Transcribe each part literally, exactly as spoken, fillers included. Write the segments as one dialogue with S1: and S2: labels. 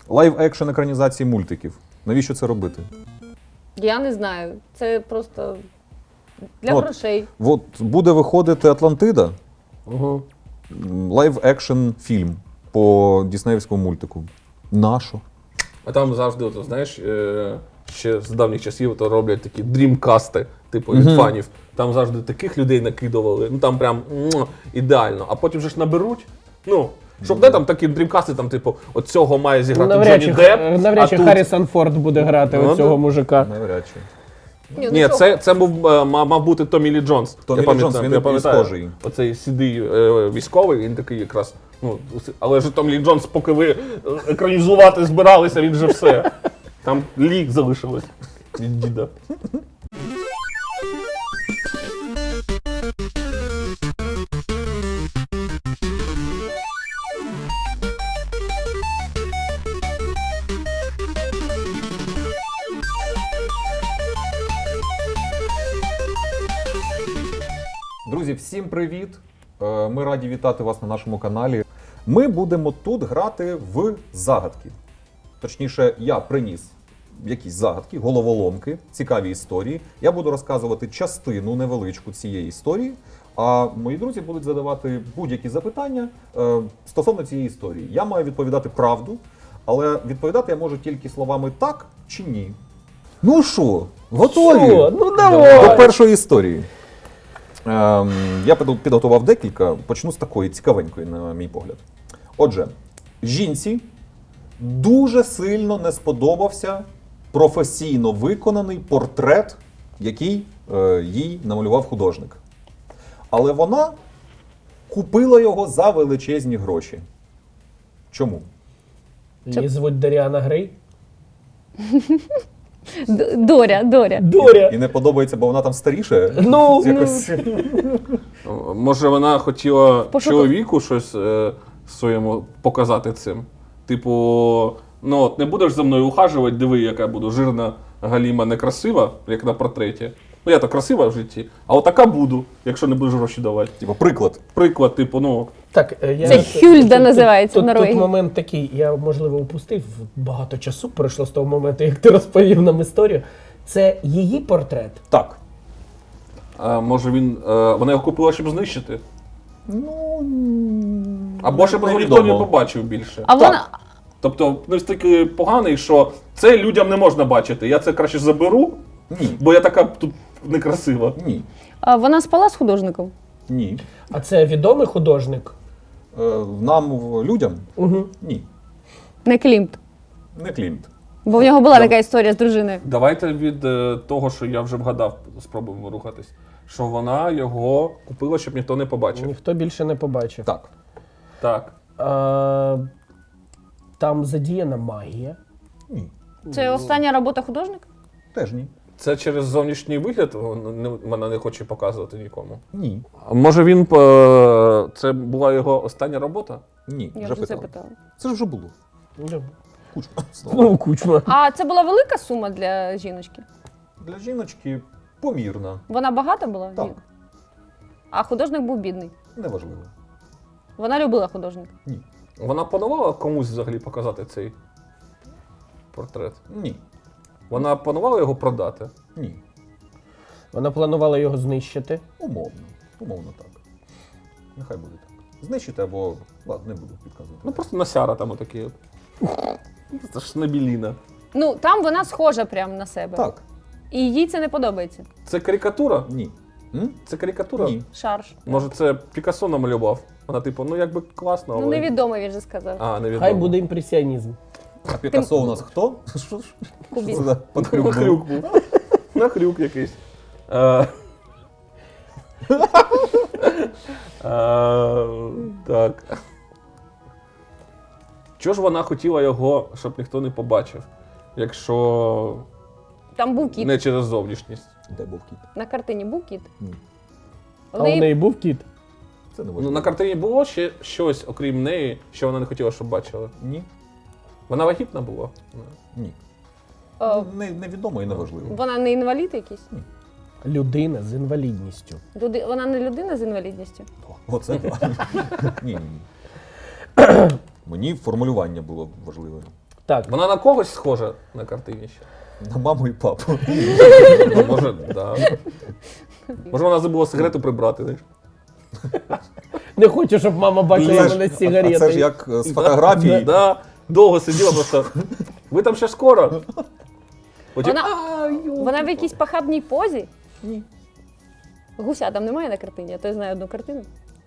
S1: лайв-екшн екранізації мультиків. Навіщо це робити?
S2: Я не знаю. Це просто для
S1: От,
S2: грошей.
S1: От буде виходити Атлантида,
S3: Угу.
S1: лайв-екшн фільм по діснеївському мультику. Нащо?
S3: А там завжди, от, знаєш, е, ще з давніх часів то роблять такі дрімкасти, типу, від
S1: Мгм.
S3: фанів. Там завжди таких людей накидували, ну там прям муа, ідеально. А потім же ж наберуть, ну, щоб де там такі дрімкасти, там, типу, от цього має зіграти
S4: Навряд чи,
S3: Джонні Депп,
S4: навряд
S3: а
S4: чи
S3: тут...
S4: Харрісон Форд буде грати
S3: Ну,
S4: оцього
S3: да.
S4: мужика.
S1: Навряд чи.
S2: Ні, ну
S3: Ні,
S2: чого?
S3: це, це був, е, мав, мав бути Томі Лі Джонс.
S1: Томі
S3: Я
S1: Лі
S3: пам'ятаю,
S1: Джонс, він
S3: я
S1: і
S3: пам'ятаю,
S1: схожий.
S3: Оцей сідий е, військовий, він такий якраз. Ну, але ж Томі Лі Джонс, поки ви екранізувати збиралися, він же все. Там лік залишилось від діда.
S1: Друзі, всім привіт! Е, Ми раді вітати вас на нашому каналі. Ми будемо тут грати в загадки. Точніше, я приніс якісь загадки, головоломки, цікаві історії. Я буду розказувати частину невеличку цієї історії, а мої друзі будуть задавати будь-які запитання е, стосовно цієї історії. Я маю відповідати правду, але відповідати я можу тільки словами «так» чи «ні». Ну що, готові?
S4: Що? Ну давай!
S1: До першої історії. Ем, я підготував- підготував декілька, почну з такої цікавенької, на мій погляд. Отже, жінці дуже сильно не сподобався професійно виконаний портрет, який е, їй намалював художник. Але вона купила його за величезні гроші. Чому?
S4: Її звуть Даріана Грей.
S2: Д- Доря, Доря.
S4: Доря!
S1: І не подобається, бо вона там старіше?
S4: Ну,
S1: Якось...
S3: Може, вона хотіла
S2: Пошука-
S3: чоловіку щось е, своєму показати цим. Типу, ну от не будеш за мною ухажувати, диви, яка буду жирна, галіма, некрасива, як на портреті. Ну я то красива в житті, а отака буду, якщо не будеш гроші давати.
S1: Типу, приклад.
S3: Приклад, типу, ну.
S4: Так, е, я...
S2: Це Хюльда
S4: тут-
S2: називається
S4: тут,
S2: в
S4: тут,
S2: Норвегії.
S4: тут момент такий, я, можливо, упустив, багато часу пройшло з того моменту, як ти розповів нам історію. Це її портрет.
S1: Так.
S3: А, може він. Е, вона його купила, щоб знищити.
S1: Ну,
S3: Або щоб його ніхто не побачив більше.
S2: А вона,
S3: Тобто настільки поганий, що це людям не можна бачити. Я це краще заберу,
S1: Ні.
S3: бо я така тут некрасива.
S1: Ні.
S2: а вона спала з художником?
S1: Ні.
S4: А це відомий художник?
S1: Е, Нам, в- людям?
S4: Угу.
S1: Ні.
S2: Не Клімт.
S1: Не Клімт.
S2: Бо в нього була така історія з дружиною.
S3: Давайте від е, того, що я вже вгадав, спробуємо рухатись. Що вона його купила, щоб ніхто не побачив.
S4: Ніхто більше не побачив.
S1: Так.
S3: Так.
S4: А, там задіяна магія.
S1: Ні.
S2: Це остання робота художника?
S1: Теж ні.
S3: Це через зовнішній вигляд вона не- вона не хоче показувати нікому.
S1: Ні.
S3: А може він. е, Це була його остання робота?
S1: Ні.
S2: Я
S1: вже
S2: вже це
S1: питав.
S2: питала.
S1: Це ж вже було.
S4: Ну,
S1: Кучма. Знову.
S4: Ну, кучма.
S2: А це була велика сума для жіночки?
S1: Для жіночки помірна.
S2: Вона багата була?
S1: Так.
S2: Ні. А художник був бідний.
S1: Неважливо.
S2: Вона любила художника.
S1: Ні.
S3: Вона планувала комусь взагалі показати цей портрет?
S1: Ні.
S3: Вона планувала його продати?
S1: Ні.
S4: Вона планувала його знищити.
S1: Умовно. Умовно так. Нехай буде так. Знищити або. Ладно, не буду підказувати.
S3: Ну просто насяра там отакі. Це ж набіліна.
S2: Ну, там вона схожа прямо на себе.
S1: Так.
S2: І їй це не подобається.
S3: Це карикатура?
S1: Ні. М?
S3: Це карикатура?
S1: Ні.
S2: Шарж.
S3: Може це Пікассо намалював? Вона типу, ну якби класно, але...
S2: Ну, невідомо, він же сказав.
S3: А, невідомо.
S4: Хай буде імпресіонізм.
S1: А Пікассо у нас хто? Що ж?
S2: Кубіст.
S1: Що це за панхрюк був?
S3: Нахрюк був. Нахрюк якийсь. Е, е, Так. Чого ж вона хотіла його, щоб ніхто не побачив, якщо
S2: Там був кіт.
S3: не через зовнішність?
S1: Де був кіт?
S2: На картині був кіт.
S1: Ні.
S4: А у неї був кіт?
S1: Це не
S3: Ну,
S1: важливо.
S3: на картині було ще щось, окрім неї, що вона не хотіла, щоб бачили.
S1: Ні.
S3: Вона вагітна була?
S1: Ні.
S2: О,
S1: Не, невідомо і неважливо.
S2: вона не інвалід якийсь?
S4: Людина з інвалідністю.
S2: Люди... Вона не людина з інвалідністю?
S1: Оце так. Ні, ні, ні. Мені формулювання було важливе.
S4: Так,
S3: Вона на когось схожа на картині ще?
S1: На маму і папу.
S3: Ну, може, да. Може, вона забула сигарету прибрати, знаєш?
S4: не хочу, щоб мама бачила
S1: Це ж-
S4: мене з
S1: а
S4: сигаретою.
S1: це ж як е, з фотографії.
S3: Да, довго сиділа просто. Ви там ще скоро? Потім,
S2: Вона,
S3: «А, йо».
S2: вона в якійсь похабній позі? Ні. Гуся там немає на картині, а то я знаю одну картину.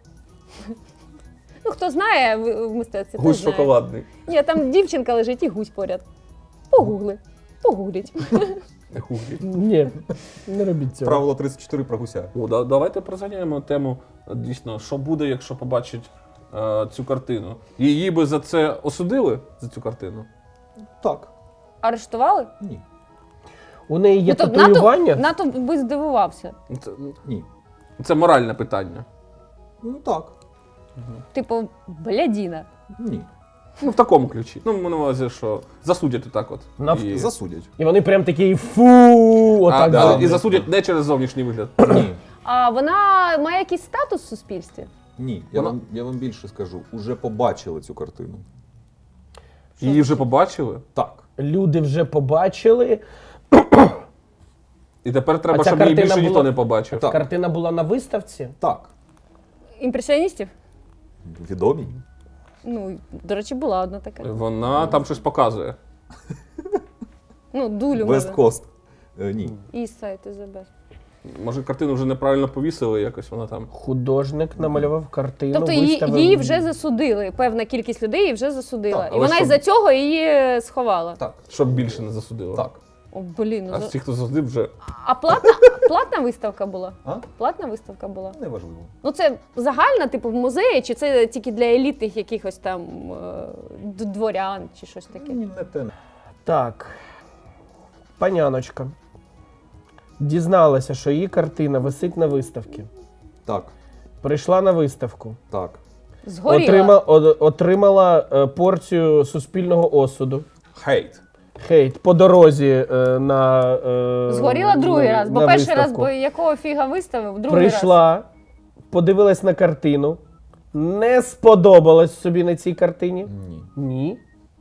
S2: Ну, хто знає в в мистецтві, той
S3: Гусь
S2: знає.
S3: шоколадний.
S2: Ні, там дівчинка лежить і гусь поряд. Погугли. Погугліть.
S3: Не хуглі.
S4: Ні, не робіть цього.
S1: Правило тридцять чотири про гуся.
S3: О, да, давайте прозганяємо тему, е, дійсно, що буде, якщо побачить е, цю картину. Її би за це осудили, за цю картину?
S1: Так.
S2: Арештували?
S1: Ні.
S4: У неї є
S2: Ну, то
S4: татуювання.
S2: НАТО, НАТО би здивувався.
S3: Це,
S1: Ні.
S3: це моральне питання.
S1: Ну так.
S2: Типу, блядіна.
S1: Ні.
S3: Ну, в такому ключі. Ну, ми на увазі, що засудять отак от.
S4: Нав-
S3: І,
S1: Засудять.
S4: І вони прям такі фу,
S3: а,
S4: отак.
S1: да.
S3: але-
S4: зроблять.
S3: і засудять не через зовнішній вигляд.
S1: Ні.
S2: А вона має якийсь статус в суспільстві?
S1: Ні. Я
S3: Вона-
S1: вам, я вам більше скажу. Уже побачили цю картину.
S3: Її вже побачили.
S1: Так.
S4: Люди вже побачили.
S3: І тепер треба,
S4: А ця
S3: щоб її
S4: картина
S3: більше ніхто
S4: була-
S3: не побачив.
S1: Так.
S4: Картина була на виставці.
S1: Так.
S2: Імпресіоністів?
S1: Відомі.
S2: Ну, до речі, була одна така.
S3: Вона там щось показує.
S2: Ну, дулю
S1: West
S2: може.
S1: Coast. Е, ні.
S2: East Side is the best.
S3: Може, картину вже неправильно повісили, якось вона там.
S4: Художник намалював картину.
S2: Тобто її,
S4: виставив.
S2: її вже засудили, певна кількість людей її вже засудила.
S1: Так,
S2: і
S3: але
S2: вона
S3: щоб-
S2: із-за цього її сховала.
S1: Так.
S3: Щоб більше не засудило.
S1: Так.
S2: О, блін, ну
S3: А
S2: за-
S3: ті, хто засудив, вже.
S2: А платна, платна виставка була?
S1: А?
S2: Платна виставка була?
S1: Неважливо.
S2: Ну це загальна, типу, в музеї, чи це тільки для елітних якихось там е, д- дворян, чи щось таке?
S1: Ні, не те.
S4: Так. Паняночка дізналася, що її картина висить на виставці.
S1: Так.
S4: Прийшла на виставку.
S1: Так.
S2: Згоріла.
S4: Отрима, о- отримала е, порцію суспільного осуду.
S1: Хейт.
S4: Хейт по дорозі е, на е,
S2: Згоріла другий
S4: на-
S2: раз, бо
S4: на
S2: перший раз,
S4: виставку.
S2: бо якого фіга виставив, другий раз.
S4: Прийшла, подивилась на картину, не сподобалась собі на цій картині.
S1: Ні.
S4: Ні.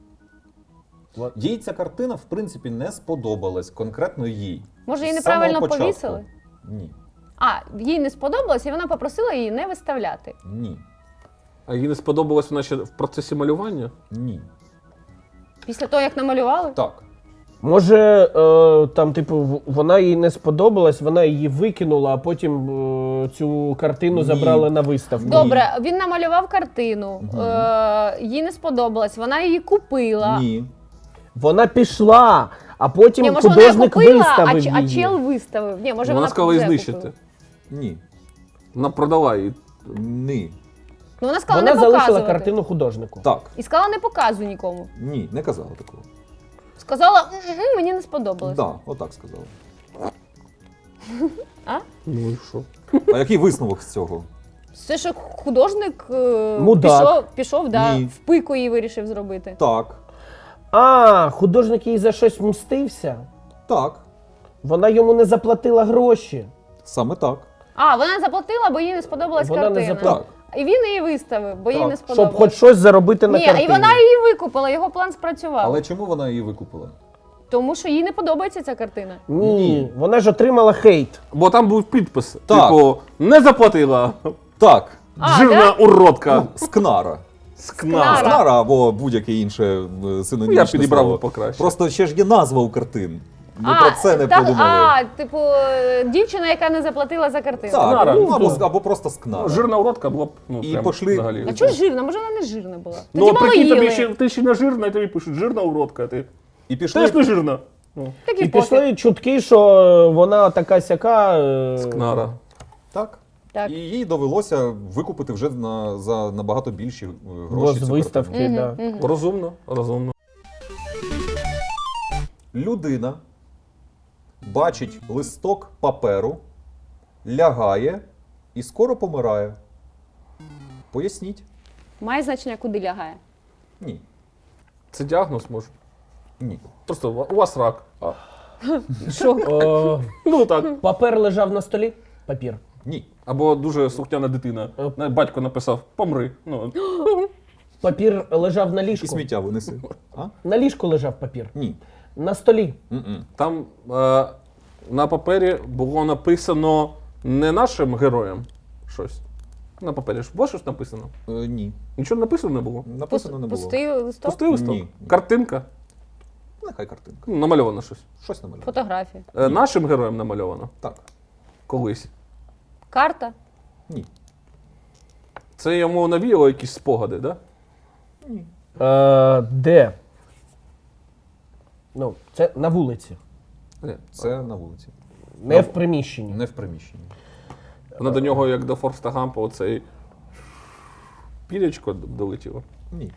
S1: Їй ця картина, в принципі, не сподобалась конкретно їй.
S2: Може, її
S1: З самого
S2: неправильно
S1: початку.
S2: повісили?
S1: Ні.
S2: А, їй не сподобалось, і вона попросила її не виставляти.
S1: Ні.
S3: А їй не сподобалось вона ще в процесі малювання?
S1: Ні.
S2: Після того, як намалювали?
S1: Так.
S4: Може, е, там, типу, в- вона їй не сподобалась, вона її викинула, а потім е, цю картину
S1: Ні.
S4: забрали на виставку.
S2: Добре, він намалював картину, е, їй не сподобалось, вона її купила.
S1: Ні.
S4: Вона пішла, а потім
S2: Ні, може, вона її
S4: художник
S2: купила, а,
S4: виставив
S2: ч- а
S4: її.
S2: чел виставив. Ні, може,
S3: вона
S2: вона
S3: сказала
S2: вже
S3: її знищити.
S2: купила.
S1: Ні.
S3: Вона продала її.
S1: Ні.
S2: Ну, вона сказала
S4: Вона
S2: не
S4: залишила
S2: показувати.
S4: картину художнику.
S1: Так.
S2: І сказала не показуй нікому.
S1: Ні, не казала такого.
S2: Сказала, «М-м, мені не сподобалось.
S1: Так, отак сказала.
S2: А?
S3: Ну і що?
S1: А який висновок з цього?
S2: Це що художник е,
S4: Мудак.
S2: пішов, пішов да,
S1: Ні.
S2: в пику її вирішив зробити.
S1: Так.
S4: А, художник їй за щось мстився.
S1: Так.
S4: Вона йому не заплатила гроші.
S1: Саме так.
S2: А, вона заплатила, бо їй не сподобалась
S4: Вона не
S2: картина.
S4: заплатила.
S1: Так.
S2: І він її виставив, бо їй
S1: Так.
S2: не
S4: Щоб
S2: сподобалось.
S4: хоч щось заробити на
S2: Ні,
S4: картині.
S2: і вона її викупила, його план спрацював.
S1: Але чому вона її викупила?
S2: Тому що їй не подобається ця картина.
S4: Ні,
S1: Ні.
S4: вона ж отримала хейт.
S3: Бо там був підпис.
S1: Так.
S3: Типу, не заплатила.
S1: Так.
S2: А,
S3: Жирна уродка.
S1: Ну, скнара.
S3: Скнара.
S2: Скнара.
S1: Скнара або будь-яке інше е,
S3: Ну,
S1: синонімічне
S3: я підібрав
S1: слово.
S3: би покраще.
S1: Просто ще ж є назва у картин. Ми
S2: а,
S1: про це не
S2: та-
S1: подумали.
S2: А, типу, е, дівчина, яка не заплатила за картину.
S1: Так,
S3: Скнара.
S1: ну, або,
S4: Ну,
S1: або просто скнара.
S3: Ну, жирна уродка була б, ну,
S1: І
S3: прям
S1: пошли-
S3: взагалі.
S2: А чого жирна? Може, вона не жирна була? Тоді
S3: Ну,
S2: мало
S3: прикинь, тобі
S2: їли.
S3: ще, ти ще не жирна, і тобі пишуть, жирна уродка, а ти
S1: І пішли.
S3: теж не жирна. Ну,
S2: Так
S4: І
S2: і пофіг.
S4: пішли чутки, що вона така сяка. е,
S3: скнара.
S1: Так.
S2: Так.
S1: І їй довелося викупити вже на, за набагато більші е,
S4: Бо
S1: гроші.
S4: з
S1: цю
S4: виставки,
S1: картину.
S4: да.
S3: Розумно, розумно.
S1: Людина бачить листок паперу, лягає і скоро помирає. Поясніть?
S2: Має значення, куди лягає.
S1: Ні.
S3: Це діагноз може.
S1: Ні.
S3: Просто у вас рак. А.
S2: Що?
S4: О,
S3: Ну так.
S4: папер лежав на столі. Папір.
S1: Ні.
S3: Або дуже слухняна дитина.
S4: Оп.
S3: На- Батько написав помри. Ну,
S4: Папір лежав на
S1: І
S4: ліжку.
S1: сміття винеси. А?
S4: На ліжку лежав папір.
S1: Ні.
S4: На столі.
S1: М-м.
S3: Там е, на папері було написано не нашим героям щось. На папері ж було щось написано?
S1: Е, ні.
S3: Нічого написано не було.
S1: Написано не було.
S2: Пустий листок?
S3: Пустий листок?
S1: Ні.
S3: Картинка?
S1: Нехай картинка.
S3: Ну, намальовано щось.
S1: Щось намалював.
S2: Фотографія.
S3: Е, нашим героям намальовано?
S1: Так.
S3: Колись.
S2: Карта?
S1: Ні.
S3: Це йому навіяло якісь спогади, так? Да?
S1: Ні.
S4: Е, де? Ну, це на вулиці.
S3: Ні.
S1: Це на вулиці.
S4: Не в приміщенні.
S1: Не в приміщенні.
S3: Вона до нього, як до Форста Гампа, оцей пілечко долетіло.
S1: Ні.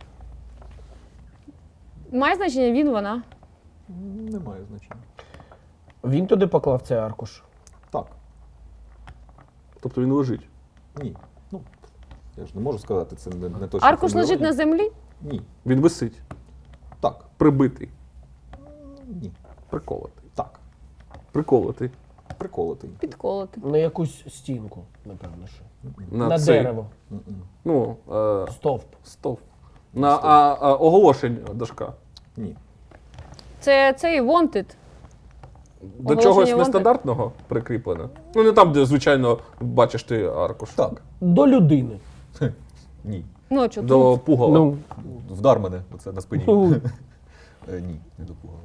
S2: Має значення він, вона.
S1: Немає значення.
S4: Він туди поклав цей аркуш.
S1: Так.
S3: Тобто він лежить.
S1: Ні. Ну, я ж не можу сказати, це не, не точно.
S2: Аркуш лежить на землі?
S1: Ні.
S3: Він висить.
S1: Так.
S3: Прибитий.
S1: Ні.
S3: Приколотий.
S1: Так.
S3: Приколотий.
S1: Приколотий.
S2: Підколоти.
S4: На якусь стінку, напевно, що.
S3: На,
S4: На
S3: цей,
S4: дерево.
S1: М-м.
S3: Ну, е,
S4: Стовп.
S3: стовп. На а, а, оголошень дошка.
S1: Ні.
S2: Це цей wanted.
S3: До
S2: Оголошення
S3: чогось
S2: wanted.
S3: нестандартного прикріплено. Ну, не там, де, звичайно, бачиш ти аркуш.
S1: Так.
S4: До людини.
S1: Ні.
S2: Ну, що
S3: До
S2: тут?
S3: пугала.
S4: Ну,
S1: Вдар мене оце на спині.
S4: ну,
S1: Е, Ні, не допугала.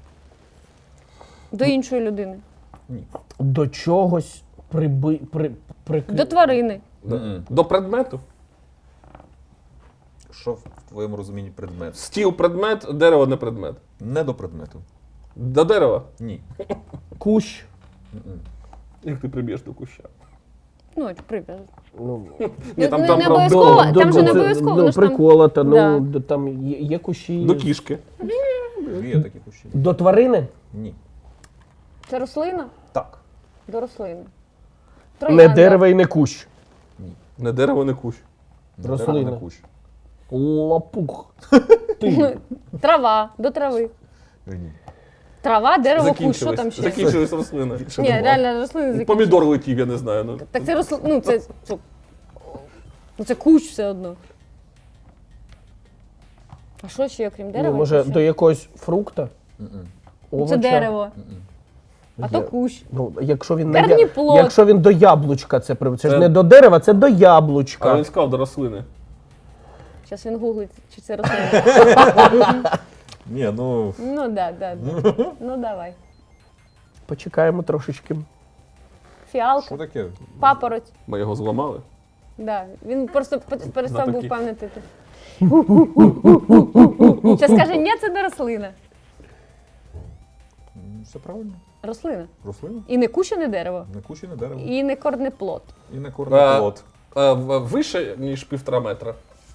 S2: До іншої людини.
S1: Ні.
S4: до чогось приби, при, прикрі...
S2: До тварини.
S3: Да.
S1: М-м.
S3: До предмету.
S1: Що в твоєму розумінні предмет?
S3: Стіл предмет, дерево не предмет.
S1: Не до предмету.
S3: До дерева.
S1: Ні.
S4: Кущ.
S1: М-м.
S3: Як ти приб'єш до куща?
S2: Ну, прив'яз.
S4: Ну,
S3: Ні, там,
S2: не,
S3: там
S2: не
S3: прям
S2: обов'язково,
S3: до-
S2: там же не
S4: це,
S2: обов'язково.
S4: ну,
S2: воно ж там-
S4: приколота, ну,
S2: Да.
S4: до- там є, є кущі.
S3: До кішки.
S1: Є такі кущі.
S4: До тварини?
S1: Ні.
S2: Це рослина?
S1: Так.
S2: До рослини.
S4: Не
S2: Троянда.
S4: дерево і не кущ.
S1: Ні.
S3: Не дерево, не кущ.
S1: Не
S4: Рослина.
S1: дерево, не кущ.
S4: Лапух. Ти.
S2: Трава. До трави.
S1: Е, Ні.
S2: Трава, дерево, кущ. Що
S3: Закінчились.
S2: там ще?
S3: Закінчились рослини.
S1: Більше
S2: Ні,
S1: нема.
S2: реально рослини закінчились.
S3: Помідор летів, я не знаю. Ну.
S2: Так це рослина. Ну, це. це- Ну, це кущ все одно. А що ще, окрім дерева?
S4: Ну, може,
S2: ще?
S4: до якогось фрукта?
S1: М-м.
S2: Ну,
S4: Овоча?
S2: це дерево.
S1: М-м.
S2: А то кущ.
S4: Ну, якщо він, на я...
S2: Корніплод.
S4: якщо він до яблучка, це, при- це ж
S3: Це-
S4: не до дерева, це до
S3: А
S4: яблучка.
S3: він сказав до рослини.
S2: Зараз він гуглить, чи це рослина.
S1: Ні, ну.
S2: Ну, да, да, да. Ну, давай.
S4: Почекаємо трошечки.
S2: Фіалка,
S1: Що таке?
S2: папороть.
S3: Ми його зламали.
S2: Да. Він просто п- перестав
S3: На
S2: був
S3: такі.
S2: пам'ятати. Зараз каже, ні, це не рослина.
S1: М, Все правильно.
S2: Рослина.
S1: Рослина.
S2: І не кущ, і не дерево.
S1: Не кущ і не дерево.
S2: І не корнеплод.
S1: І не корнеплод.
S3: Е, в- Вище, ніж півтора метра.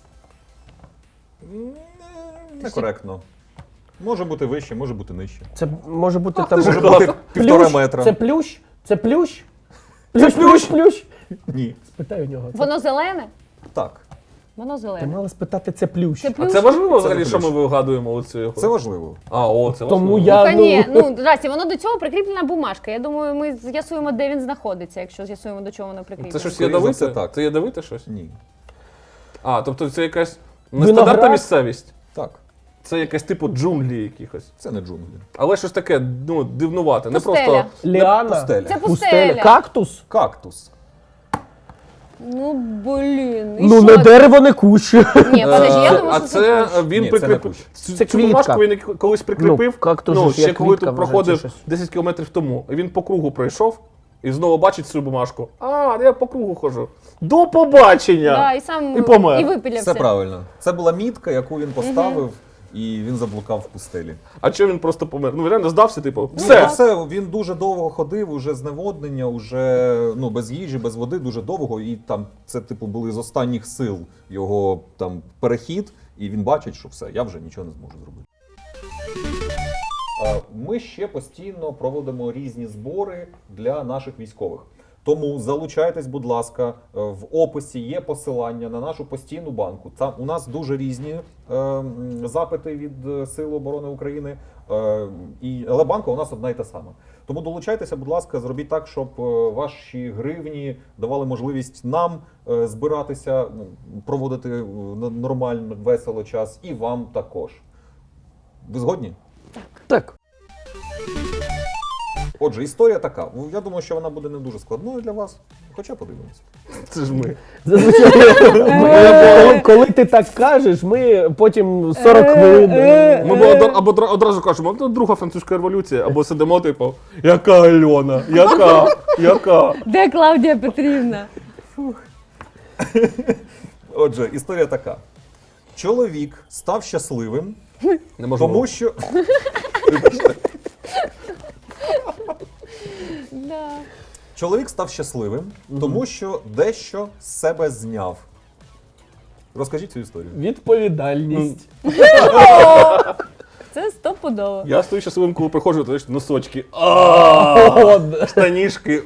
S1: М, Некоректно. Може бути вище, може бути нижче.
S4: Це може бути
S3: Ах,
S4: там.
S3: ти ж
S1: Може бути півтора
S4: Плющ?
S1: метра.
S4: Це плющ? Це плющ? Плющ, плющ, плющ.
S1: Ні.
S4: Спитай у нього. Це...
S2: Воно зелене?
S1: Так.
S2: Воно
S4: Ти
S2: зелене.
S4: мала спитати, це плющ.
S2: Це
S3: А
S2: плющ?
S3: це важливо
S1: Це
S3: взагалі,
S1: не
S3: що ми
S1: плющ.
S3: вигадуємо оцю його?
S1: Це важливо.
S3: А, о, це
S4: Тому
S3: важливо.
S4: я-
S2: Та ні,
S4: ну-
S2: ну, здрасте, воно до цього прикріплена бумажка. Я думаю, ми з'ясуємо, де він знаходиться, якщо з'ясуємо, до чого воно прикріплено.
S3: Це щось
S1: Скоріше за
S3: ядовите?
S1: все, так.
S3: Це ядовите щось?
S1: Ні.
S3: А, тобто це якась нестандартна
S4: Виноград?
S3: місцевість.
S1: Так.
S3: Це якась типу джунглі якихось.
S1: Це не джунглі.
S3: Але щось таке, ну, дивнувате. Не
S2: Пустеля.
S3: просто.
S4: Ліана?
S1: Пустеля.
S2: Це пустеля.
S4: Кактус?
S1: Кактус.
S2: Ну, блін. і
S4: Ну,
S2: що
S4: не
S2: це?
S4: дерево, не кущ.
S2: Ні, подожди, я
S3: Е,
S2: думаю,
S3: а
S2: що
S3: це
S2: це кущ.
S3: він
S1: Ні, це не
S3: прикріпив.
S1: кущ.
S3: Цю
S4: Це
S3: цю бумажку
S4: квітка.
S3: він колись прикріпив.
S4: Ну, кактус
S3: ну,
S4: ж як
S3: ще коли
S4: квітка,
S3: тут
S4: може,
S3: проходив
S4: чи щось.
S3: десять кілометрів тому. І він по кругу пройшов і знову бачить цю бумажку. А, я по кругу ходжу. До побачення!
S2: Да, і сам
S3: І помер.
S2: і випілявся.
S1: Все правильно. Це була мітка, яку він поставив, і він заблукав в пустелі.
S3: А чого він просто помер? Ну, він реально здався, типу,
S1: Все.
S3: все.
S1: все, він дуже довго ходив, уже зневоднення, уже ну, без їжі, без води, дуже довго. І там це, типу, були з останніх сил його там перехід, і він бачить, що все, я вже нічого не зможу зробити. Е, Ми ще постійно проводимо різні збори для наших військових. Тому залучайтесь, будь ласка, е, в описі є посилання на нашу постійну банку. Там у нас дуже різні е, м, запити від е, Сил оборони України, е, і, але банка у нас одна і та сама. Тому долучайтеся, будь ласка, зробіть так, щоб е, ваші гривні давали можливість нам е, збиратися, ну, проводити е, н- нормально, весело час, і вам також. Ви згодні?
S4: Так.
S1: Отже, історія така. Ну, я думаю, що вона буде не дуже складною для вас, хоча подивимося.
S3: Це ж ми.
S4: Зазвичай, ми- коли ти так кажеш, ми потім сорок хвилин.
S3: Ми б од- або одра- одразу кажемо, ну, друга французька революція, або сидимо, типу, яка Альона, яка, яка.
S2: Де Клавдія Петрівна?
S1: Отже, історія така. Чоловік став щасливим,
S3: Не можу.
S1: тому що.
S2: Да.
S1: Чоловік став щасливим, тому що дещо з себе зняв. Розкажіть цю історію.
S4: Відповідальність.
S2: Це стопудово.
S3: Я стою щасливим, коли приходжу, то ж носочки. А,
S4: От.
S3: штанішки.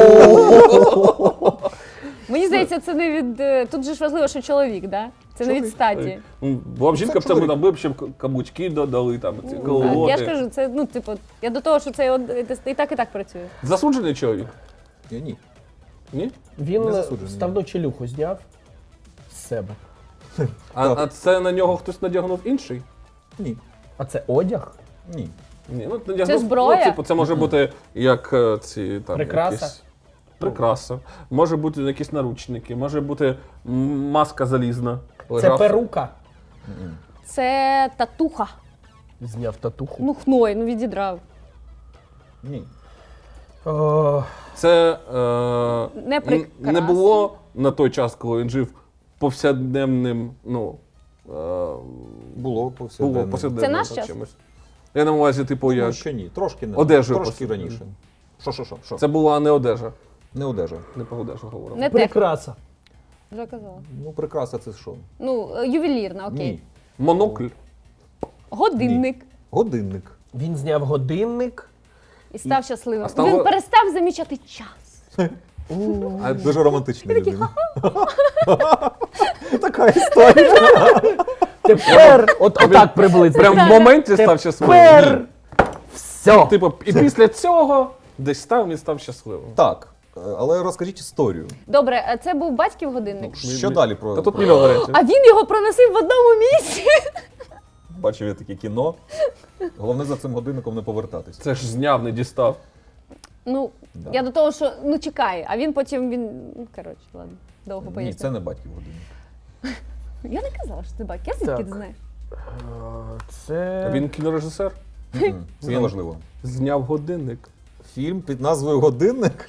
S2: Мені здається, це не від. е, Тут же ж важливо, що чоловік, да? Це не від статі.
S3: Ну, була б жінка, б
S1: чоловік.
S3: там, ми б ще б каблучки додали, там, ці
S2: А,
S3: колоти.
S2: Я ж кажу, це, ну, типу, я до того, що це од- і так, і так працює.
S3: Засуджений чоловік?
S1: Ні, ні.
S3: Ні?
S4: Він
S1: Не засуджений.
S4: ставну челюху зняв з себе.
S3: А,
S1: Так.
S3: а це на нього хтось надягнув інший?
S1: Ні.
S4: А це одяг?
S1: Ні.
S3: Ні, ну, надягнув,
S2: Це зброя?
S3: Ну, типу, це може бути як е, ці там.
S4: Прикраса?
S3: Якісь... Прикраса. Може бути якісь наручники, може бути м, маска залізна.
S4: Це
S3: Лежав.
S4: перука.
S2: Це татуха.
S4: Зняв татуху.
S2: Ну, хной, ну відідрав.
S1: Ні.
S4: О,
S3: Це е,
S2: Не
S3: н-
S2: прикраса.
S3: не було на той час, коли він жив повсякденним, ну. Е,
S1: Було повсякденно.
S3: було повсякденним
S2: Це наш час?
S3: чимось. Я на увазі, типу,
S1: Думаю,
S3: як.
S1: що ні. Трошки не
S3: Одежу
S1: трошки
S3: просто.
S1: раніше. Що, що, що? що?
S3: Це була не одежа.
S1: Не одежа.
S3: Не про одежу говоримо.
S2: Не техніка.
S4: прикраса.
S2: Вже казала.
S1: Ну, прикраса це що?
S2: Ну, е, ювелірна, окей.
S1: Ні.
S3: Монокль.
S2: Годинник.
S1: Годинник.
S4: Він зняв годинник.
S2: І став щасливим.
S3: А став-
S2: Він перестав замічати час.
S3: А
S1: Дуже романтична людина. Така історія.
S4: Тепер, от отак приблизно.
S3: прям в моменті став щасливим.
S4: Тепер все.
S3: Типу, і після цього десь став він став щасливим.
S1: Так, е, але розкажіть історію.
S2: Добре, а це був батьків годинник.
S1: Що далі про.
S3: Та тут
S1: про-
S3: мільйон варіантів.
S2: А він його проносив в одному місці.
S1: Бачив я таке кіно. Головне за цим годинником не повертатись.
S3: Це ж зняв, не дістав.
S2: Ну,
S1: Да.
S2: я до того, що ну чекай, а він потім він. Ну, коротше, ладно, довго
S1: Ні,
S2: поясню.
S1: це не батьків годинник.
S2: Я не казала, що це батьки. Я звідки
S4: Так.
S2: ти знаєш?
S4: Це
S3: Він кінорежисер.
S1: Мгм. Це не
S3: Він-
S1: важливо.
S3: Зняв годинник.
S1: Фільм під назвою Годинник?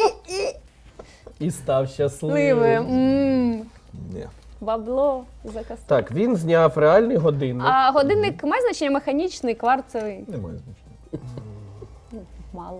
S4: і став
S2: Сливи.
S4: щасливим.
S2: М,
S1: Ні.
S2: Бабло заказ.
S4: Так, він зняв реальний годинник.
S2: А годинник має значення механічний, кварцевий.
S1: Немає значення.
S2: Мало.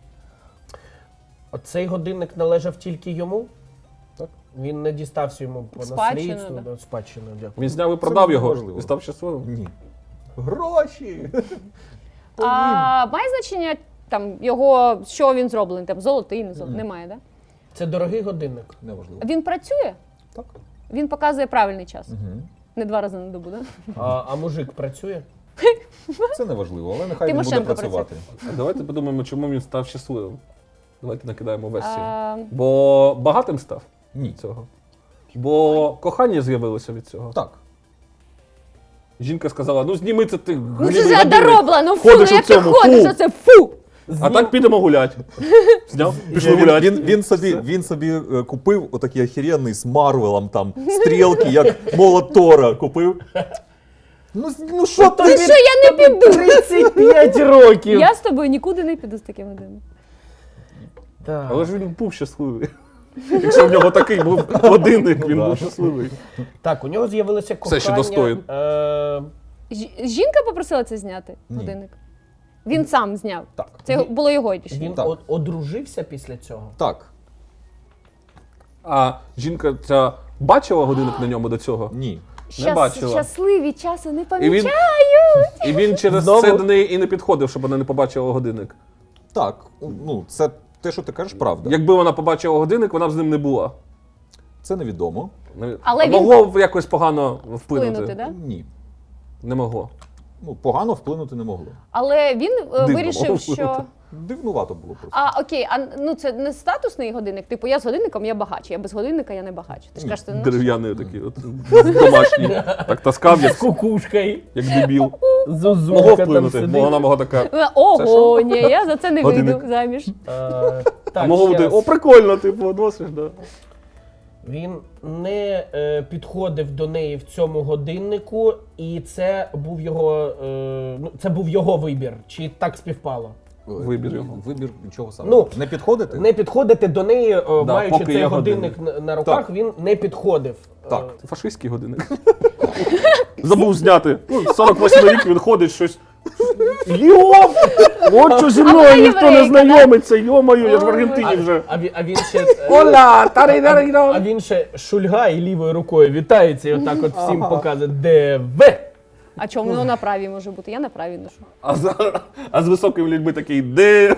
S4: Оцей годинник належав тільки йому?
S1: Так.
S4: Він не дістався йому по
S2: Спадщину,
S4: наслідству.
S2: да.
S4: Да. Спадщину, дякую.
S3: Він зняв і продав
S1: не
S3: його
S1: важливо.
S3: і став щасливим.
S1: Ні. Гроші!
S2: А має значення там його, що він зроблений, там золотий, не золотий?
S1: Мгм.
S2: Немає, да?
S4: Це дорогий годинник.
S1: Неважливо.
S2: Він працює?
S1: Так.
S2: Він показує правильний час.
S1: Угу.
S2: Не два рази на добу, да?
S4: А, а мужик працює?
S1: Це не важливо, але нехай він буде
S2: Тимошенко
S1: працювати.
S3: А давайте подумаємо, чому він став щасливим. Давайте накидаємо версію.
S2: А,
S3: Бо багатим став
S1: Ні.
S3: від цього. Бо кохання з'явилося від цього.
S1: Так.
S3: Жінка сказала: ну зніми це ти.
S2: ну
S3: голівий
S2: це ж
S3: годинник.
S2: дорогла, ну фу, ну
S3: Ходиш у
S2: як ти
S3: цьому,
S2: ходиш,
S3: фу.
S2: оце фу!
S3: А так підемо гулять. Зняв, пішли
S1: Він,
S3: гуляти.
S1: він, він собі, він собі е, купив отакий охеренний з Марвелом там стрілки, як молот Тора купив. Ну, з- ну що
S2: Ти
S1: ти?
S2: що, я не піду?
S4: тридцять п'ять років!
S2: Я з тобою нікуди не піду з таким годинником.
S4: Так.
S3: Але ж він був щасливий. Якщо в нього такий був годинник, він
S1: Да.
S3: був щасливий.
S4: Так, у нього з'явилося кохання.
S3: Все ще достоїн.
S4: Е,
S2: Ж- Жінка попросила це зняти
S1: Ні.
S2: годинник? Він сам зняв.
S1: Так.
S2: Це його- було його рішення.
S4: він
S1: Так.
S4: од- одружився після цього.
S1: Так.
S3: А жінка ця бачила годинник на ньому до цього?
S1: Ні.
S3: Не бачила.
S2: Щасливі часу не
S3: І він,
S2: помічають.
S3: і він через
S4: Знову?
S3: це до неї і не підходив, щоб вона не побачила годинник.
S1: Так. Ну, це те, що ти кажеш, правда.
S3: Якби вона побачила годинник, вона б з ним не була.
S1: Це невідомо.
S3: Не-
S2: Але
S3: а
S2: він-
S3: могло б якось погано вплинути?
S2: Вплинути, да?
S1: Ні.
S3: Не могло.
S1: Ну, погано вплинути не могло.
S2: Але він е,
S3: Дивно
S2: вирішив,
S3: було
S2: що.
S1: Дивнувато було просто.
S2: А окей, а ну це не статусний годинник. Типу, я з годинником я багач, я без годинника я не багач. Ти ж кажеш, ти ну,
S3: Дерев'яний такий, от, домашній. Так таскав,
S4: З
S3: як,
S4: кукушкою.
S3: як дебіл. Могло
S4: Зозулька там
S3: вплинути,
S4: сидить.
S3: бо вона могла така.
S2: Е, Ого, ні, я за це не вийду
S3: Годинник.
S2: заміж.
S4: Е,
S3: А
S4: Так,
S3: могло
S4: ще
S3: бути,
S4: раз.
S3: о, прикольно, типу, носиш, да.
S4: Він не е, підходив до неї в цьому годиннику, і це був його, е, ну, це був його вибір. Чи так співпало?
S3: Вибір його.
S1: Вибір чого саме?
S4: Ну,
S1: не підходити?
S4: Не підходити до неї, е, маючи
S3: поки
S4: цей
S3: є
S4: годинник на, на руках,
S1: Так.
S4: він не підходив.
S1: Так.
S4: Е,
S3: Це фашистський годинник. Забув зняти. Ну, сорок восьмий рік він ходить щось. Йоп! От що зі
S2: А
S3: мною
S2: вона
S3: ніхто не
S2: єврейка,
S3: знайомиться, йомаю, я ж в
S2: Ой,
S3: Аргентині
S4: а,
S3: вже.
S4: а, він, а він ще е,
S3: Оля!
S4: а
S3: Тарі-дарі-да!
S4: він ще шульгає і лівою рукою вітається і отак от всім показує ДВ.
S2: А чому воно на правій може бути? Я на правій ношу.
S3: А, за, а з високими людьми такий де.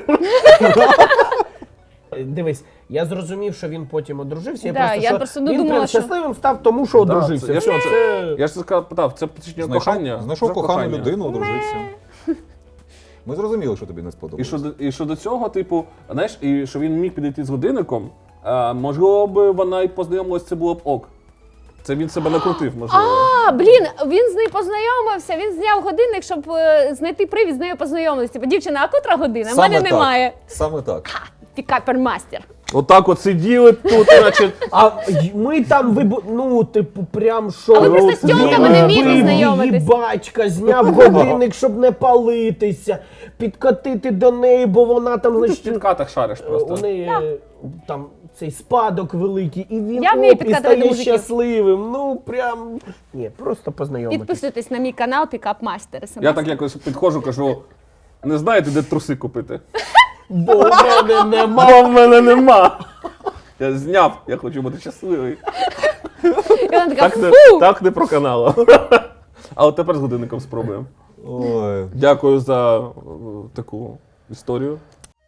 S4: Дивись, я зрозумів, що він потім одружився.
S2: Да,
S4: просто,
S2: я
S4: що
S2: просто
S4: він
S2: думала,
S4: прям
S2: що-
S4: щасливим став тому, що одружився.
S3: це- я
S4: Все,
S3: ж-
S4: це-
S3: Я ж сказав, питав, це посвідчення
S1: Знайшов,
S3: кохання?
S1: знайшов
S3: Це
S1: кохану
S3: кохання.
S1: людину, одружився. Ми зрозуміли, що тобі не
S3: І
S1: сподобалося.
S3: що, до- і що до цього, типу, знаєш, і що він міг підійти з годинником, а, можливо б вона й познайомилась, це було б ок. Це він себе накрутив, можливо.
S2: А, блін, він з нею познайомився, він зняв годинник, щоб е, знайти привід з нею познайомитися. Типу, дівчина, а котра година? У мене
S1: так.
S2: немає.
S1: Саме так.
S2: Пікапермастер.
S3: Отак от сиділи тут, значить.
S4: А й- ми там вибу... ну, типу, прям що.
S2: А ви просто з тьомками не вмієте
S4: Вбив
S2: знайомитись.
S4: її батька, зняв годинник, щоб не палитися, підкатити до неї, бо вона там,
S3: В
S4: значить,
S3: підкатах шариш
S4: у
S3: просто.
S4: неї е, там цей спадок великий, і він
S2: Я вмію
S4: оп, і
S2: підкатувати
S4: стає
S2: мужиків.
S4: щасливим. Ну, прям, ні, просто познайомитись.
S2: Підписуйтесь на мій канал Пікапмастер.
S3: Я так якось підходжу, кажу, не знаєте, де труси купити?
S4: Бо в мене нема.
S3: Бо в мене нема. Я зняв, я хочу бути щасливий.
S2: І вона така,
S3: Так не,
S2: фу!
S3: так не про каналу. А от тепер з годинником спробуємо.
S1: Ой.
S3: Дякую за е, таку історію.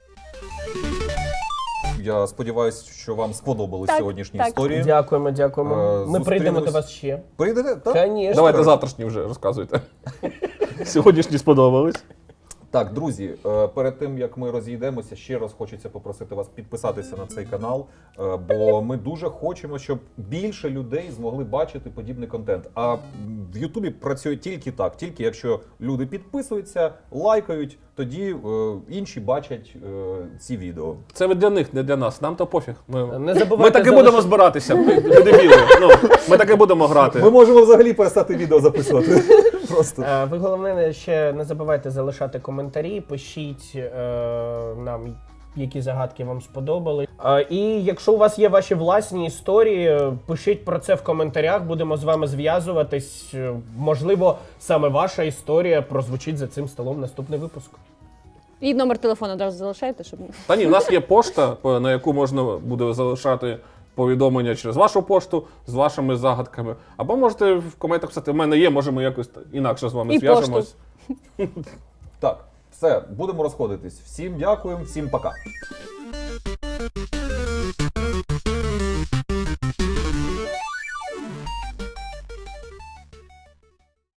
S1: Я сподіваюся, що вам сподобались
S2: Так,
S1: сьогоднішні
S2: так.
S1: історії.
S4: Дякуємо, дякуємо.
S1: Е,
S4: Ми прийдемо
S1: зустрінемось.
S4: до вас ще.
S1: Прийдете? Так?
S4: Конечно.
S3: Давайте завтрашні вже розказуйте. Сьогоднішні сподобались.
S1: Так, друзі, е, перед тим як ми розійдемося, ще раз хочеться попросити вас підписатися на цей канал, е, бо ми дуже хочемо, щоб більше людей змогли бачити подібний контент. А в Ютубі працює тільки так, тільки якщо люди підписуються, лайкають, тоді е, інші бачать е, ці відео.
S3: Це для них, не для нас. Нам то пофіг. Ми,
S4: Не забувайте
S3: ми таки
S4: залиш-
S3: будемо збиратися. Ми, ми дебіли. Ну, ми таки будемо грати.
S1: Ми можемо взагалі перестати відео записувати. Просто.
S4: Е, Ви головне ще не забувайте залишати коментарі, пишіть е, нам, які загадки вам сподобали. Е, і якщо у вас є ваші власні історії, е, пишіть про це в коментарях, будемо з вами зв'язуватись. Е, Можливо, саме ваша історія прозвучить за цим столом в наступний випуск.
S2: І номер телефону одразу залишайте, щоб.
S3: Та ні, у нас є пошта, по- на яку можна буде залишати повідомлення через вашу пошту з вашими загадками. Або можете в коментах писати, в мене є, може ми якось інакше з вами
S2: І
S3: зв'яжемось.
S1: Так, все, будемо розходитись. Всім дякуємо, всім пока.